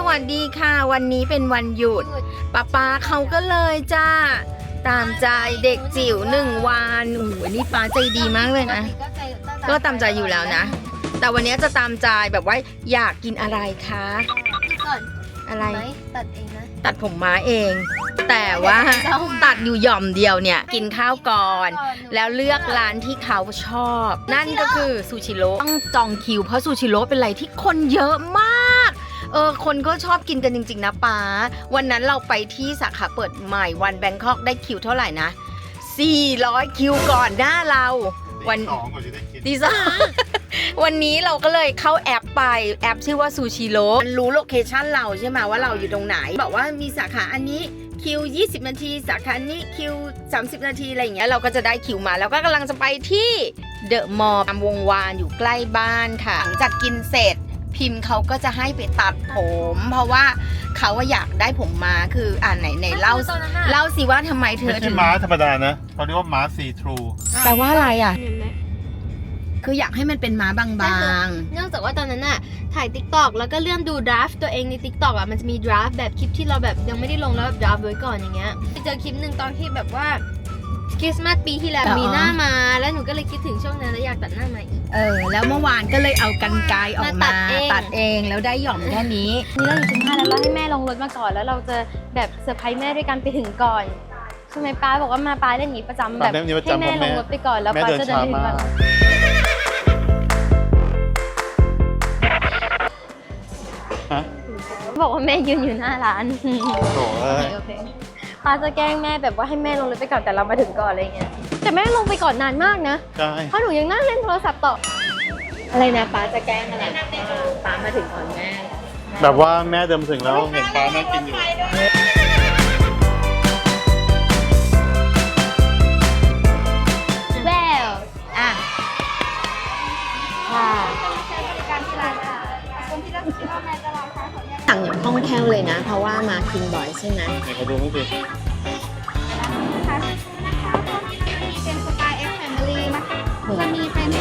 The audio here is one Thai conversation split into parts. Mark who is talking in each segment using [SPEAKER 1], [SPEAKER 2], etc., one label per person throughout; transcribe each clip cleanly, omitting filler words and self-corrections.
[SPEAKER 1] วัสดีค่ะวันนี้เป็นวันหยุดป๊าเขาก็เลยจ้าตามใจเด็กจิ๋ว1 วันโอ้โหนี่ป๊าใจดีมากเลยนะก็ตามใจอยู่แล้วนะแต่วันนี้จะตามใจแบบว่าอยากกินอะไรคะ
[SPEAKER 2] ก่อน
[SPEAKER 1] อะไร
[SPEAKER 2] ตัดเองนะ
[SPEAKER 1] ตัดผมม้าเอง แต่ว่าตัดอยู่หย่อมเดียวเนี่ยกินข้าวก่อนแล้วเลือกร้านที่เขาชอบนั่นก็คือซูชิโร่ต้องจองคิวเพราะซูชิโร่เป็นอะไรที่คนเยอะมากคนก็ชอบกินกันจริงๆนะป๊าวันนั้นเราไปที่สาขาเปิดใหม่วันแบงคอกได้คิวเท่าไหร่นะ400คิวก่อนหน้าเราวันที่สองวันนี้เราก็เลยเข้าแอปไปแอปชื่อว่าซูชิโร่มันรู้โลเคชั่นเราใช่ไหมว่าเราอยู่ตรงไหนบอกว่ามีสาขาอันนี้คิว20 นาทีสาขานี้คิว30 นาทีอะไรอย่างเงี้ยเราก็จะได้คิวมาแล้วก็กำลังจะไปที่เดอะมอลล์วงวานอยู่ใกล้บ้านค่ะหลังจากกินเสร็จพิมพ์เขาก็จะให้ไปตัดผมเพราะว่าเขาอยากได้ผมม้าคือไหนเล่าสิว่าทำไมเธอ
[SPEAKER 3] ไม่ใช่ม้าธรรมดานะเขาเรียกว่าม้าซีทรู
[SPEAKER 1] แปลว่าอะไรอ่ะคืออยากให้มันเป็นม้าบาง
[SPEAKER 2] ๆเนื่องจากว่าตอนนั้นน่ะถ่าย TikTok แล้วก็เลื่อนดูดราฟตัวเองใน TikTok อ่ะมันจะมีดราฟแบบคลิปที่เราแบบยังไม่ได้ลงแล้วแบบดราฟไว้ก่อนอย่างเงี้ยไปเจอคลิปหนึ่งตอนที่แบบว่าคริสต์มาสปีที่แล้วมีหน้ามาแล้วหนูก็เลยคิดถึงช่วงนั้นแล้วอยากตัดหน้าใหม่
[SPEAKER 1] แล้วเมื่อวานก็เลยเอากรรไกรออกมาตัดเองแล้วได้หย่อมแค่นี้
[SPEAKER 2] นี่เราอยู่ชั้น5แล้วเราให้แม่ลงรถมาก่อนแล้วเราจะแบบเซอร์ไพรส์แม่ด้วยกันไปถึงก่อนใช่ไหมป้าบอกว่ามาป้าเล่นอย่างนี้ประจำแบบให้แม่ลงรถไปก่อนแล้วป้าจะเดินไปถึงก่อนบอกว่าแม่ยืนอยู่หน้าร้านโอเคป้าจะแกล้งแม่แบบว่าให้แม่ลงรถไปก่อนแต่เรามาถึงก่อนอะไรเงี้ยแต่แม่ลงไปก่อนนานมากนะ
[SPEAKER 3] ใช่
[SPEAKER 2] เพราะหนูยังนั่งเล่นโทรศัพท์ต่ออะไรนะป้าจะแกล้งอะไรป้ามาถึงก่อนแม่
[SPEAKER 3] แบบว่าแม่เดินถึงแล้วเห็นป้านั่งกินอยู่
[SPEAKER 2] แวว
[SPEAKER 1] ค่ะสั่งอย่างคล่องแคล่วเลยนะเพราะว่ามากินบ่อยใช่ไหม
[SPEAKER 3] ไหนขอดูมั้งสิ
[SPEAKER 2] เป็นสไตล์เอ็กแฟมิลี่นะคะจะมีเป็น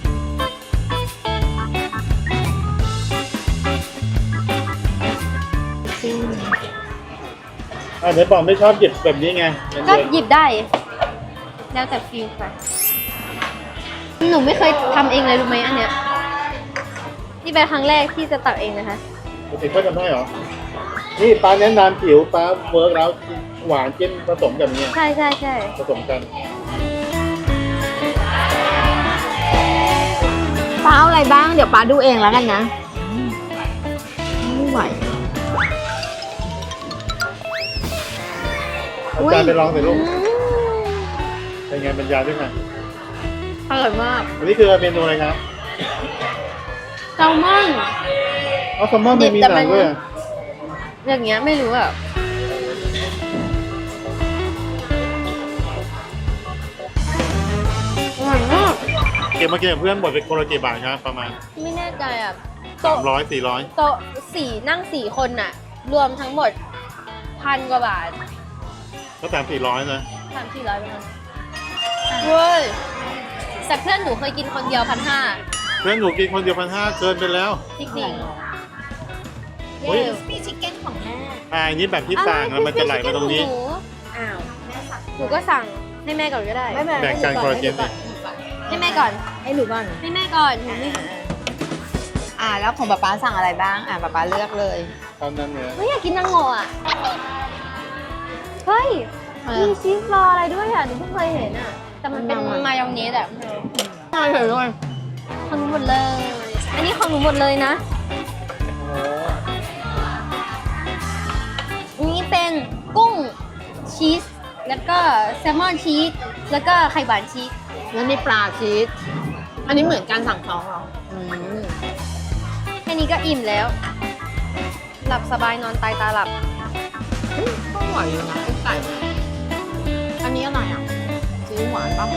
[SPEAKER 3] เดี๋ยวบอกไม่ชอบหยิบแบบนี้ไง
[SPEAKER 2] ก็หยิบได้แล้วแต่ฟิลค่ะหนูไม่เคยทำเองเลยรู้ไหมอันเนี้ยนี่เป็นครั้งแรกที่จะตัดเองนะคะ
[SPEAKER 3] ปกติเขาทำได้เหรอนี่ป้าแนะนำผิวป้าเวิร์กแล้วหวานจิ้มผสมกันเนี่ย
[SPEAKER 2] ใช่
[SPEAKER 3] ผสมกัน
[SPEAKER 1] ป้าเอาอะไรบ้างเดี๋ยวป้าดูเองแล้วกันนะไม่ไหว
[SPEAKER 3] อาจารย์ไปลองสิลูกเป็นไงบรรยายด้วยกัน
[SPEAKER 2] อร่อยมาก
[SPEAKER 3] อันนี้คือเมนูอะไรครับ
[SPEAKER 2] แซลมอน
[SPEAKER 3] แซลมอนไม่มีหนังด้วย
[SPEAKER 2] อย่างเงี้ยไม่รู้อ่ะอร่อยมาก
[SPEAKER 3] เก็บมาเก็บเพื่อนหมดเป็นคนละกี่บาทครับประมาณ
[SPEAKER 2] ไม่แน่ใจอ่ะ
[SPEAKER 3] 300 400
[SPEAKER 2] โต๊ะ4นั่ง4คนน่ะรวมทั้งหมด1,000 กว่าบาท
[SPEAKER 3] ก็300-400นะ
[SPEAKER 2] 300-400ประมาณเว้ยแต่เพื่อนหนูเคยกินคนเดียว1,500
[SPEAKER 3] เพื่อนหนูกินคนเดียว1,500เกินไปแล้ว
[SPEAKER 2] จริง
[SPEAKER 3] เฮ้ย
[SPEAKER 2] มีชิคเก้นของแม่
[SPEAKER 3] อันนี้แบบที่สั่งแล้วมันจะไหลมาตรงนี้
[SPEAKER 2] อ้าวหนูก็สั่งให้แม่ก่อนก็ได้
[SPEAKER 3] แบ่งกันคอลลาเจน
[SPEAKER 2] ให้แม่ก่อน
[SPEAKER 1] ให้หนูก่อน
[SPEAKER 2] ให้แม่ก่อนหนูไม่
[SPEAKER 1] แล้วของป๊าสั่งอะไรบ้างป๊าเลือกเลย
[SPEAKER 3] ตอนนั้นเนี่ย
[SPEAKER 2] ไม่อยากกินนางโง่อ่ะเฮ้ยมีชีสรออะไรด้วยอ่ะหนูเพิ่งเคยเห็นอ่ะแต่มันเป็นมายองเนสอ่ะ
[SPEAKER 1] ใช่เลย
[SPEAKER 2] ของหนูหมดเลยอันนี้ของหนูหมดเลยนะนี่เป็นกุ้งชีสแล้วก็แซลมอนชีสแล้วก็ไข่หวานชีส
[SPEAKER 1] แล้วนี่ปลาชีสอันนี้เหมือนการสั่งของเหรอ
[SPEAKER 2] แค่นี้ก็อิ่มแล้วหลับสบายนอนตายตาหลับ
[SPEAKER 1] ก็อร่อยอยู่นะไก่อันนี้อะไรอ่ะซีอิ๊วหวานป่ะ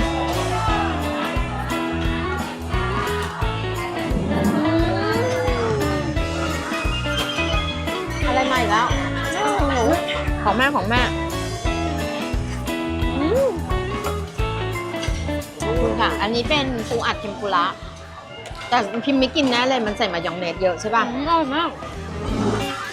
[SPEAKER 1] อะไรใหม่แล้วของหนูของแม่ขอบคุณค่ะอันนี้เป็นปูอัดเทมปุระแต่พิมพ์ไม่กินแน่เลยมันใส่มายองเนสเยอะใช่ป่ะ
[SPEAKER 2] อร่อยมาก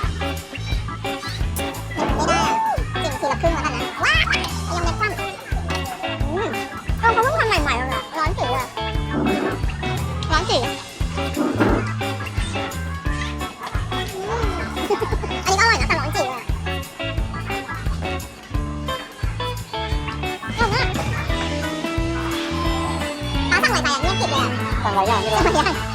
[SPEAKER 4] เก็บเลยอ่ะสั่งหลายอย่างไม่รู้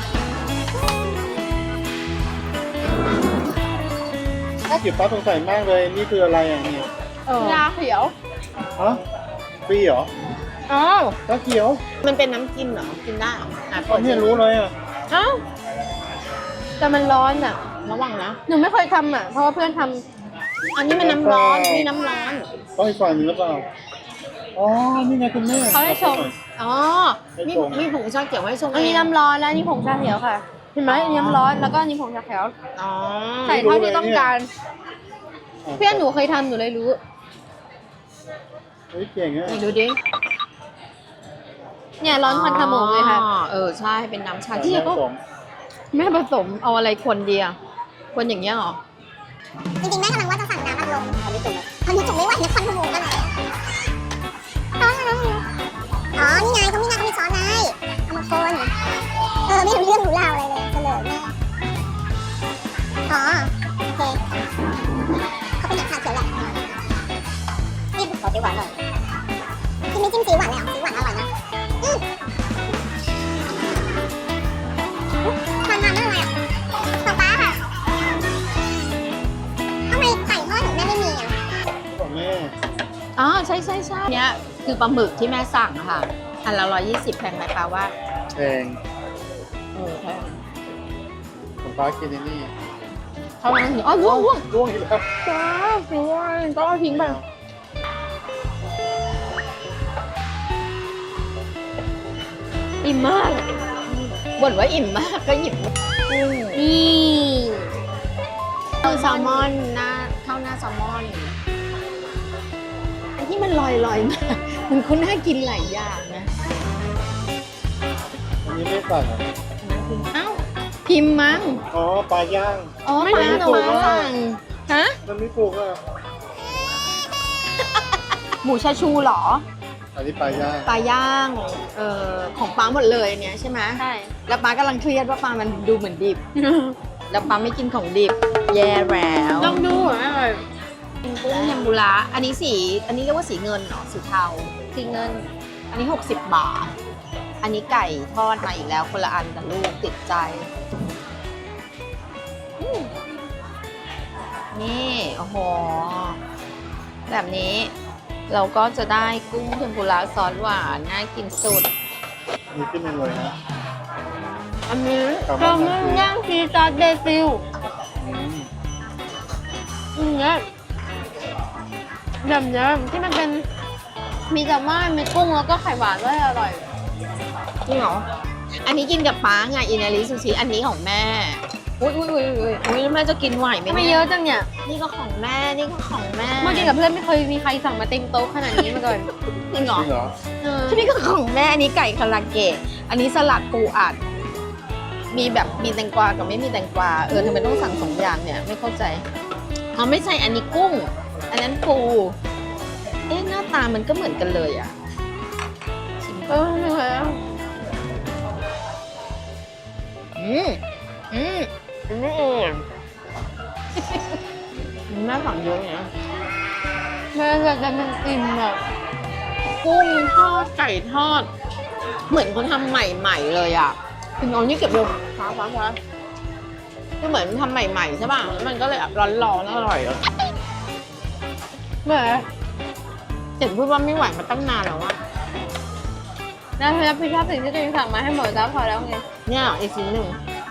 [SPEAKER 3] จิ๋วป้าสงสัยมากเลย นี่คืออะไรอ่ะเนี่ย
[SPEAKER 2] ยาเขียว
[SPEAKER 3] ฮะฟรีเหรอ
[SPEAKER 1] อ้าว
[SPEAKER 3] ชาเขียว
[SPEAKER 1] มันเป็นน้ำกินเหรอ กินได้เหรออ่ะ
[SPEAKER 3] ตอนนี้รู้เลยอ่ะ
[SPEAKER 2] เอ้าแต่มันร้อนอ่ะ
[SPEAKER 1] ระวังนะ
[SPEAKER 2] หนูไม่เคยทำอ่ะ เพราะว่าเพื่อนท
[SPEAKER 1] อันนี้มันน้ำร้อนนี่น้ำร้อน
[SPEAKER 3] ต้องอีกฝั่งหนึงหรือเปล่า อ๋อ นี่ไงคุณแม่
[SPEAKER 2] ำเขาให้ชง
[SPEAKER 1] อ๋อมีมีผงชาเขียวให้ชง
[SPEAKER 2] อันนี้
[SPEAKER 1] เง
[SPEAKER 2] น้ำร้อนแล้วอันนี่ผงชาเขียวค่ะ เห็นไหมอันนี้น้ำร้อนแล้วก็อันนี้ผงชาเขียว
[SPEAKER 1] อ๋อ
[SPEAKER 2] ใส่เท่าที่ต้องการ เพื่อนหนูเคยทำหนูเลยรู้
[SPEAKER 3] เฮ้ยเก่งอ่ะ
[SPEAKER 1] ไหนดูดิ
[SPEAKER 2] เนี่ยร้อนควันขโมงเลยค่ะ
[SPEAKER 1] อ๋อใช่ เป็นน้ำชา
[SPEAKER 3] ที่
[SPEAKER 1] เขียว
[SPEAKER 3] ก็
[SPEAKER 2] แม่ผสมเอาอะไรคนเดียว
[SPEAKER 1] คนอย่างเงี้ยเหรอ
[SPEAKER 4] จริงๆแม่กำลังว่าจะสั่งน้ำอัดลมตอนนี้จุ่มไม่ไหวนะควันขโมงอะไรอ๋อนี่ไงเขามีช้อนไงเอามาคนไม่รู้เรื่องรู้ราวอะไรเลยเฉลยแม่อ๋อโอเคเขาเป็นอย่างชาเขียวแหละนี่ขอซีหวานหน่อยที่ไม่จิ้มซีหวานเลยอ่ะซีหวานอร่อยนะมันมากเลยอ่ะของป้าค่ะทำไมไก่ทอดของแม่ไม่มีอ่ะ
[SPEAKER 3] ของแม่
[SPEAKER 1] อ๋อใช่เนี้ยคือปลาหมึกที่แม่สั่งอะค่ะ อันละ120แพงไหมคะว่า
[SPEAKER 3] แพง
[SPEAKER 1] แพง
[SPEAKER 3] ของป้ากินไอ้นี่
[SPEAKER 1] เท่านั้นอ๋อร่วง
[SPEAKER 3] ร่วงอีกแล้ว
[SPEAKER 1] จ้าสวยต้องเอาทิ้งไปอิ่มมากบ่นว่าอิ่มมากก็หยิบกุ้ง
[SPEAKER 2] นี่
[SPEAKER 1] คือแซลมอนข้าวหน้าแซลมอนอันที่มันลอยๆมามันก็น่ากินหลายอย่างนะ
[SPEAKER 3] อันนี้ไม่สั่งอ่ะ
[SPEAKER 1] เอ้าพิมพ์มั้ง
[SPEAKER 3] อ๋อ ปลาย่าง
[SPEAKER 1] อ๋อ
[SPEAKER 3] ไม่
[SPEAKER 1] ปลา
[SPEAKER 3] รู้
[SPEAKER 1] หนู
[SPEAKER 3] ตัวว่า
[SPEAKER 1] สั่งฮะ
[SPEAKER 3] มันไม่ถูกอ่ะ
[SPEAKER 1] หมูชาชูเหรอ
[SPEAKER 3] อันนี้ปลาย่าง
[SPEAKER 1] ปลาย่างของป้าหมดเลยอันเนี้ยใช่ไหม
[SPEAKER 2] ใช่
[SPEAKER 1] แล้วป้ากำลังเครียดว่าปลามันดูเหมือนดิบ แล้วป้าไม่กินของดิบ แย่แล้ว
[SPEAKER 2] ต้องดูเหรอแม่เลย
[SPEAKER 1] กุ้งเทมปุระอันนี้อันนี้เรียกว่าสีเงินเหรอสีเทา
[SPEAKER 2] สีเงิน
[SPEAKER 1] อันนี้ 60 บาท อันนี้ไก่ทอดมาอีกแล้วคนละอันกับลูกติดใจอืมนี่โอ้โหแบบนี้เราก็จะได้กุ้งเทมปุระซอสหวานน่ากินสุด
[SPEAKER 3] นี่ขึ้นมาเลยนะ
[SPEAKER 1] อันนี้
[SPEAKER 3] ครับ
[SPEAKER 2] แซลมอนย่างซีซอสเบซิล
[SPEAKER 3] อืม
[SPEAKER 2] อย่างเงี้ยแบบเนี้ยที่มันเป็นมีแซลมอนมีกุ้งแล้วก็ไข่หวานด้วยอร่อย
[SPEAKER 1] จริงเหรอ อันนี้กินกับป้าไงอินาริซูชิ อันนี้ของแม่ อุ้ยแล้วแม่จะกินไหวไหม
[SPEAKER 2] ไม่
[SPEAKER 1] เนี่ย
[SPEAKER 2] เยอะจังเนี่ย
[SPEAKER 1] นี่ก็ของแม่ นี่ก็ของแม่
[SPEAKER 2] เมื่อกี้กับเพื่อนไม่เคยมีใครสั่งมาเต็มโต๊ะขนาดนี้มาก่อน
[SPEAKER 1] จริงเหร
[SPEAKER 3] จ
[SPEAKER 1] อ
[SPEAKER 3] ริงเหรอ
[SPEAKER 1] นี่ก็ของแม่ อันนี้ไก่คาราเกะ อันนี้สลัดปูอัด มีแบบมีแตงกวากับไม่มีแตงกวา ทำไมต้องสั่ง2 อย่างเนี่ย ไม่เข้าใจเขาไม่ใช่อันนี้กุ้ง อันนั้นปู หน้าตามันก็เหมือนกันเลยอ่ะชิม
[SPEAKER 2] ไม่เคย
[SPEAKER 1] อันนี้เองแม่สั่งเยอะเนี่ย
[SPEAKER 2] แม่จะมันอิ่มแบบ
[SPEAKER 1] กุ้งทอดไก่ทอด เหมือนเขาทำใหม่ๆเลยอ่ะถึงเอานี่เก็บลงฟ้าก็เหมือนทำใหม่ๆใช่ป่ะแล้วมันก็เลยแบบร้อนๆอร่อยอ่ะ
[SPEAKER 2] แม่
[SPEAKER 1] เจ็ดพูดว่าไม่ไหวมาตั้งนานแล้วอ่ะ
[SPEAKER 2] นะพี่ชอบสิ่งที่ตัวเองสั่งมาให้หมดแล้วพอแล้วไง
[SPEAKER 1] เนี่ยอีกชิ้นหนึ่ง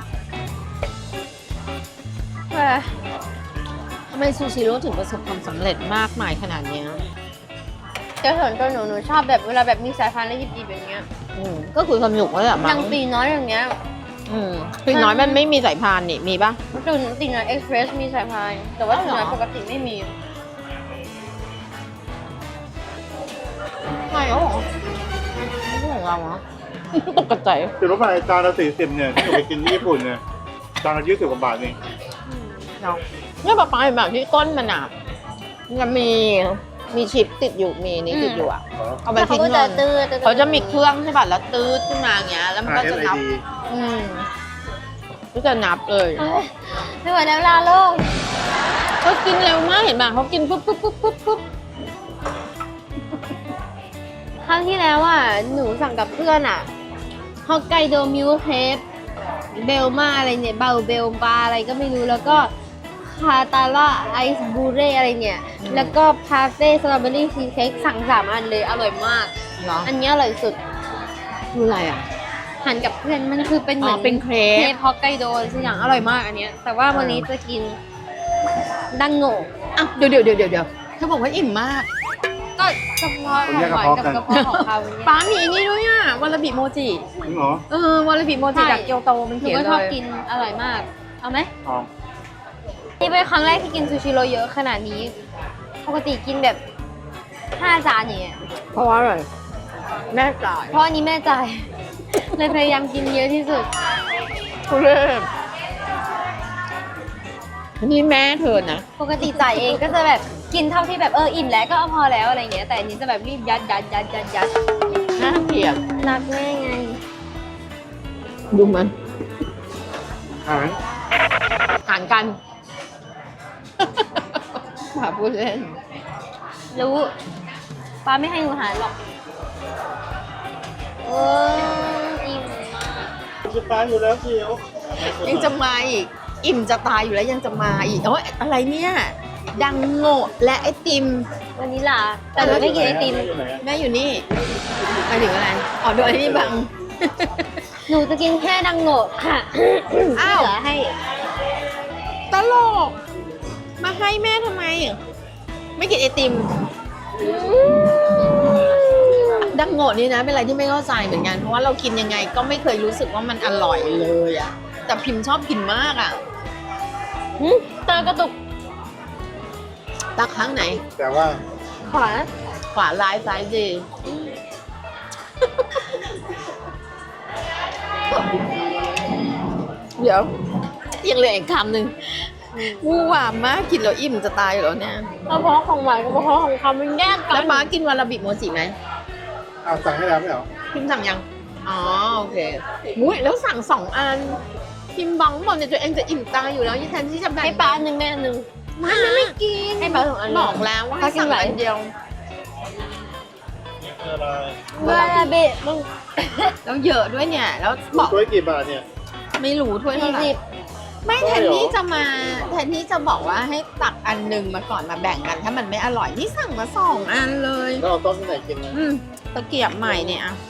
[SPEAKER 2] แม่
[SPEAKER 1] ทำไมซูชิโร่ถึงประสบความสำเร็จมากมายขนาดเนี้ย
[SPEAKER 2] จะส่วนตัวหนูชอบแบบเวลาแบบมีสายพันธุ์แล้วหยิบๆอย่างเงี้ย
[SPEAKER 1] ก็คือสนุกเลยอ่ะ
[SPEAKER 2] อ
[SPEAKER 1] มั้
[SPEAKER 2] ย่าง งตีน้อยอย่างเงี้ย
[SPEAKER 1] ปีน้อยมันไม่มีสายพานนี่มีป่ะ
[SPEAKER 2] ตีน้อยเอ็กซ์เพรสมีสายพันธุ์แต่ว่าตีน้อยปกติไม่มี
[SPEAKER 1] ใช่เหรอไม่ใช่ของเราเหรอ ตกใจ
[SPEAKER 3] ถือว่าไปจานละ40เนี่ยที่หนูไปกินที่ญี่ปุ่นเนี่ยจานละ20 กว่าบาทเอง
[SPEAKER 1] เนาะเนี่ยปลาเป็นแบบที่ก้นมันอ่ะมันมีชิปติดอยู่มีนี้ติดอยู่อ่ะ เอาไป
[SPEAKER 2] แต่เขา
[SPEAKER 1] ทิ้ง
[SPEAKER 2] ก็
[SPEAKER 1] เล
[SPEAKER 2] จะ
[SPEAKER 1] ย
[SPEAKER 2] ตื้อ
[SPEAKER 1] เขาจะมีเครื่องใช่ป่ะแล้วตืดขึ้นมาอย่างเงี้ยแล้วมันก็จะนับ
[SPEAKER 3] RFID
[SPEAKER 1] ก็จะนับเลย
[SPEAKER 2] ไม่เหมือนแล้วลาโลก
[SPEAKER 1] ก็กินเร็วมากเห็นป่ะเขากินปุ๊บ
[SPEAKER 2] ครั้งที่แล้วอ่ะหนูสั่งกับเพื่อนอ่ะฮอกไกโดมิลค์เคปเบลมาอะไรเนี่ยเบลบาอะไรก็ไม่รู้แล้วก็คาตาล่าไอซ์บูเร่อะไรเนี่ย แล้วก็พาเฟ่สตรอเบอรี่ชีสเค้กสั่ง3 อันเลยอร่อยมาก
[SPEAKER 1] เหรอ
[SPEAKER 2] อันนี้อร่อยสุด
[SPEAKER 1] คืออะไรอ่ะ
[SPEAKER 2] หันกับเพื่อนมันคือเป็นเหมือน
[SPEAKER 1] เป็นเครป
[SPEAKER 2] ฮอกไกโดสักอย่างอร่อยมากอันเนี้ยแต่ว่าวันนี้จะกินดังโง่
[SPEAKER 1] อ่ะเดี๋ยวเธอบอกว่าอิ่มมาก
[SPEAKER 2] ก็กระเพาะของหวานกับกระเพาะของเขาเนี่ย
[SPEAKER 1] ป้ามีอันนี้ด้วยอ่ะวาลาบิโมจิ
[SPEAKER 3] จริงเหรอ
[SPEAKER 1] วาลาบิโมจิ
[SPEAKER 2] ใช่
[SPEAKER 1] จากเกียวโตมัน
[SPEAKER 2] หนู
[SPEAKER 1] เขียน
[SPEAKER 2] ก็
[SPEAKER 1] เล
[SPEAKER 2] ชอบ
[SPEAKER 1] ย
[SPEAKER 2] กินอร่อยมาก เอาไหม
[SPEAKER 3] อ๋อ
[SPEAKER 2] นี่เป็นครั้งแรกที่กินซูชิโร่เยอะขนาดนี้ ปกติกินแบบ5 จานอย่างเงี้ย
[SPEAKER 1] เพราะว่าอะไรแม่จ่าย
[SPEAKER 2] เพราะอันนี้แม่จ่าย เลยพยายามกินเยอะที่สุด
[SPEAKER 1] ทุเรศนี่แม่เธอนะ
[SPEAKER 2] ปกติจ่ายเองก็จะแบบกินเท่าที่แบบอิ่มแล้วก็เอาพอแล้วอะไรเงี้ย แต่อันนี้จะแบบรีบยัด
[SPEAKER 1] น่าเกลียด
[SPEAKER 2] รักแม่ไง
[SPEAKER 1] ดูมัน
[SPEAKER 3] หาง
[SPEAKER 1] ห่างกันป้าพูดเล่น
[SPEAKER 2] รู้ป้าไม่ให้หนูหารหรอกอิ่มมาก
[SPEAKER 3] จะตายอยู่แล้วจิ๋ว
[SPEAKER 1] ยังจะมาอีก อิ่มจะตายอยู่แล้วยังจะมาอีกโอ้ยอะไรเนี่ย ดังโง่และไอติม
[SPEAKER 2] วันนี้ล่ะแต่หนูไม่กินไอติม
[SPEAKER 3] อยู่ไหนอะ
[SPEAKER 1] แม่อยู่นี่หมายถึงอะไรอ๋อโดนไอ้นี่บัง
[SPEAKER 2] หนูจะกินแค่ดังโง่ค่ะ
[SPEAKER 1] อ้าว
[SPEAKER 2] เหลือให้
[SPEAKER 1] ตลก มาให้แม่ทำไม ไม่กินไอติม ดังโง่นี่นะเป็นอะไรที่ไม่เข้าใจเหมือนกัน เพราะว่าเรากินยังไงก็ไม่เคยรู้สึกว่ามันอร่อยเลยอะแต่พิมพ์ชอบกินมากอะ
[SPEAKER 2] ตากระตุก
[SPEAKER 1] ตักข้างไหน
[SPEAKER 3] แต่ว่า
[SPEAKER 2] ขวา
[SPEAKER 1] ขวาร้ายซ้ายดีเดี๋ยวยังเหลืออีกคำหนึ่งวูหวามมากกินแล้วอิ่มจะตายอยู่แล้วเนี่ย
[SPEAKER 2] กระเพาะของหวานกับกระเพาะของคำมันแยกกั
[SPEAKER 1] แล้ว
[SPEAKER 2] น
[SPEAKER 1] ป้ากินวาลาบิโมจิไหม
[SPEAKER 3] เอาสั่งให้แล้วไม่เหรอ
[SPEAKER 1] พิมพ์สั่งยัง อ๋อโอเคมุ้ยแล้วสั่ง2 อัน พิมพ์บังบอกเนี่ยตัวเองจะอิ่มตายอยู่แล้วยี่แทนที่จะแบ่ง
[SPEAKER 2] ให้ป้าอันหนึ่งแม่อันหนึ่ง
[SPEAKER 1] ไม่กิน
[SPEAKER 2] ให้ป้า2 อัน
[SPEAKER 1] บอกแล้วว่าให้
[SPEAKER 2] ป้ากิน
[SPEAKER 1] สั่ง
[SPEAKER 2] ไหน
[SPEAKER 1] อันเดียว
[SPEAKER 3] นี่คืออะไร
[SPEAKER 2] เวลาเบะมึง
[SPEAKER 1] แล้วเยอะด้วยเนี่ย แล้วบอก
[SPEAKER 3] ถ้วยกี่บาทเนี่ย
[SPEAKER 1] ไม่รู้ถ้วยเท่าไหร่
[SPEAKER 2] 40
[SPEAKER 1] ไม่
[SPEAKER 3] ใช่
[SPEAKER 1] แทน
[SPEAKER 3] เหรอ
[SPEAKER 1] ที่จะมาแทนที่จะบอกว่าให้ตักอันหนึ่งมาก่อนมาแบ่งกัน ถ้ามันไม่อร่อยนี่สั่งมา2 อันเลย
[SPEAKER 3] แล้วเอาต้มที่ไหนกินนะ
[SPEAKER 1] ตะเกียบใหม่เนี่ยอะ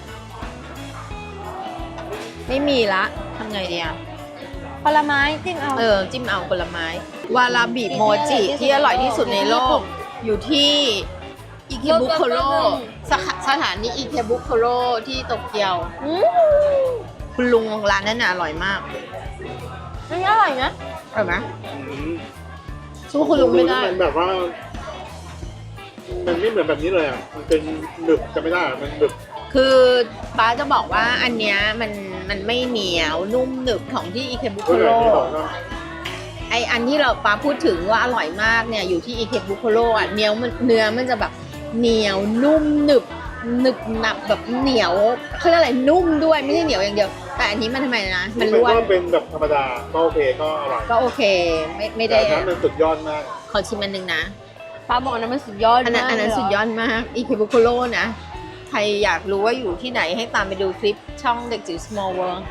[SPEAKER 1] ไม่มีละทำไงดีอะ
[SPEAKER 2] ผลไม้จิ้มเอา
[SPEAKER 1] จิ้มเอาผลไม้ วาลาบิโมจิที่อร่อยที่สุดในโลก อยู่ที่อิเคบุโคโรสถานีอิเคบุโคโรที่โตเกียว คุณลุงร้านนั้นน่ะอร่อยมาก
[SPEAKER 2] อันนี้อร่อยนะ
[SPEAKER 1] อร่อยไหม
[SPEAKER 3] อืม
[SPEAKER 1] สู้คุณลุงไม่ได้
[SPEAKER 3] มันแบบว่า มันไม่เหมือนแบบนี้เลยอ่ะ มันเป็นหนึบจะไม่ได้อะมันหนึบ
[SPEAKER 1] คือป้าจะบอกว่าอันเนี้ยมันไม่เหนียวนุ่มหนึบของที่อิเคบุโค
[SPEAKER 3] ก็เล
[SPEAKER 1] โร
[SPEAKER 3] ยที่บอกว่า
[SPEAKER 1] ไออันที่เราป้าพูดถึงว่าอร่อยมากเนี่ยอยู่ที่อิเคบุโคโรอ่ะเนื้อมันจะแบบเหนียวนุ่มหนึบหนับแบบเหนียวเขาเรียกอะไรนุ่มด้วยไม่ใช่เหนียวอย่างเดียว แต่อันนี้มันทำไมนะมัน
[SPEAKER 3] มัน
[SPEAKER 1] ร่วน
[SPEAKER 3] ก็เป็นแบบธรรมดาก็โอเคก็อร่อย
[SPEAKER 1] ก็โอเคไม่
[SPEAKER 3] แต่
[SPEAKER 1] ได้
[SPEAKER 3] อันนั้นมันสุดยอดมาก
[SPEAKER 1] ขอชิมอันหนึงนะ
[SPEAKER 2] ป้าบอกนะมันสุดยอด
[SPEAKER 1] อันนั้น
[SPEAKER 2] มาก
[SPEAKER 1] อันนั้น
[SPEAKER 2] เล
[SPEAKER 1] สุดยอดมากอิเคบุโคโรนะใครอยากรู้ว่าอยู่ที่ไหนให้ตามไปดูคลิปช่องเด็กจิ๋ว small world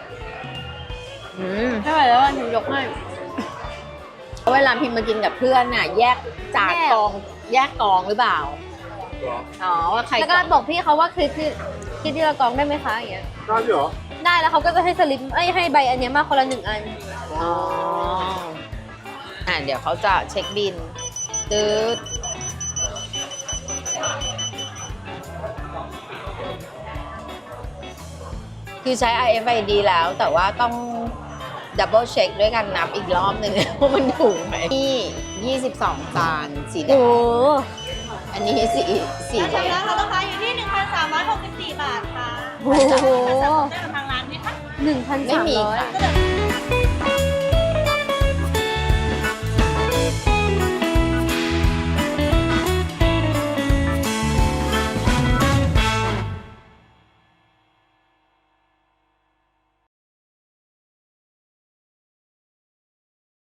[SPEAKER 2] เท่าไหร่แล้วหนูยกให้
[SPEAKER 1] เวลาพิมพ์มากินกับเพื่อนน่ะแยกจากกองแยกกองหรือเปล่า
[SPEAKER 3] เหรอ
[SPEAKER 1] อ๋อว่าใคร
[SPEAKER 2] แล้วก็บอกพี่เขาว่าคือกินทีละกล่องได้ไหมคะอย่างเงี้ย
[SPEAKER 3] ได้ด้วยเหรอ
[SPEAKER 2] ได้แล้วเขาก็จะให้สลิปให้ใบอันเนี้ยมาคนละ1 อัน
[SPEAKER 1] อ๋อเดี๋ยวเขาจะเช็คบินตืดคือใช้ RFID แล้วแต่ว่าต้องดับเบิลเช็คด้วยกันนับอีกรอบหนึ่ง ว่ามันถูกไหมนี่22 จานสีแด
[SPEAKER 2] โอ้
[SPEAKER 1] งอันนี้สีแดง
[SPEAKER 5] ราคาอยู่ที่ 1,364 บาทค่ะ
[SPEAKER 2] โห
[SPEAKER 5] ได้กับทางร้านไหมคะ
[SPEAKER 2] 1,300
[SPEAKER 1] ไม่มีค่ะ